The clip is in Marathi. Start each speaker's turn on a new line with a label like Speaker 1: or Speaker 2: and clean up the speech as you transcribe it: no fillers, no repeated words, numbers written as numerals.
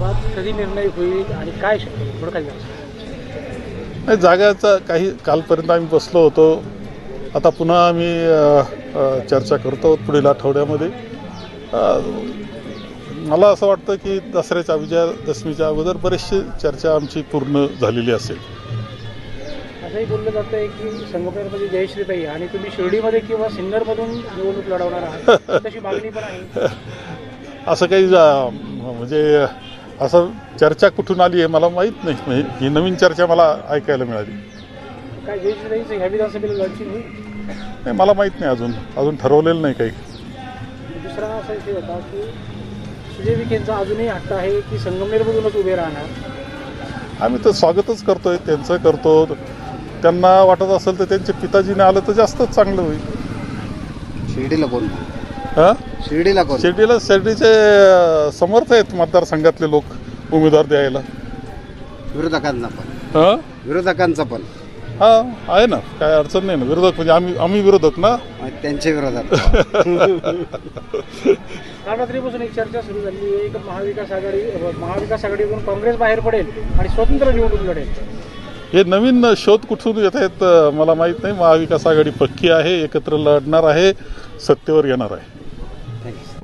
Speaker 1: जागेसंदर्भात कधी निर्णय होईल आणि काय शक्य थोडं काही
Speaker 2: नाही, जागाचा काही कालपर्यंत आम्ही बसलो होतो. आता पुन्हा आम्ही चर्चा करतो पुढील आठवड्यामध्ये. मला असं वाटतं की दसऱ्याच्या विजयादशमीच्या अगोदर बरेचशी चर्चा आमची पूर्ण झालेली असेल.
Speaker 1: असंही बोललं जातं आहे की संगमनेरमध्ये जयश्रीताई आणि तुम्ही शिर्डीमध्ये किंवा सिन्नरमधून निवडणूक लढवणार आहात, तशी मागणी पण आहे.
Speaker 2: असं काही म्हणजे असं चर्चा कुठून आली आहे मला माहीत नाही. म्हणजे ही नवीन चर्चा मला ऐकायला मिळाली.
Speaker 1: काय जयश्रीताईचं ह्या विधानसभेला लढची होईल?
Speaker 2: नाही, मला माहीत नाही. अजून ठरवलेलं नाही काही.
Speaker 1: दुसरा असा विषय होता की सुजय विखेंचा अजूनही हट्ट आहे की संगमनेरमधूनच उभे राहणार.
Speaker 2: आम्ही तर स्वागतच करतोय, त्यांचं करतो. त्यांना वाटत असेल तर त्यांच्या पिताजीने आलं तर जास्तच चांगलं होईल.
Speaker 3: शिर्डीला कोण?
Speaker 2: हां,
Speaker 3: शिर्डीला कोण?
Speaker 2: शिर्डीचे समर्थ आहेत मतदारसंघातले लोक उमेदवार द्यायला.
Speaker 3: विरोधकांना पण?
Speaker 2: हां
Speaker 3: विरोधकांचा पण?
Speaker 2: हां, आहे ना, काय अडचण नाही ना. विरोधक म्हणजे आम्ही विरोधक ना.
Speaker 3: त्यांच्या विरोधात?
Speaker 1: काल रात्रीपासून एक चर्चा सुरू झाली आहे की महाविकास आघाडीकडून काँग्रेस बाहेर पडेल आणि स्वतंत्र निवडणूक लढेल.
Speaker 2: हे नवीन शोध कुठून येत आहेत मला माहीत नाही. महाविकास आघाडी पक्की आहे, एकत्र लढणार आहे, सत्तेवर येणार आहे.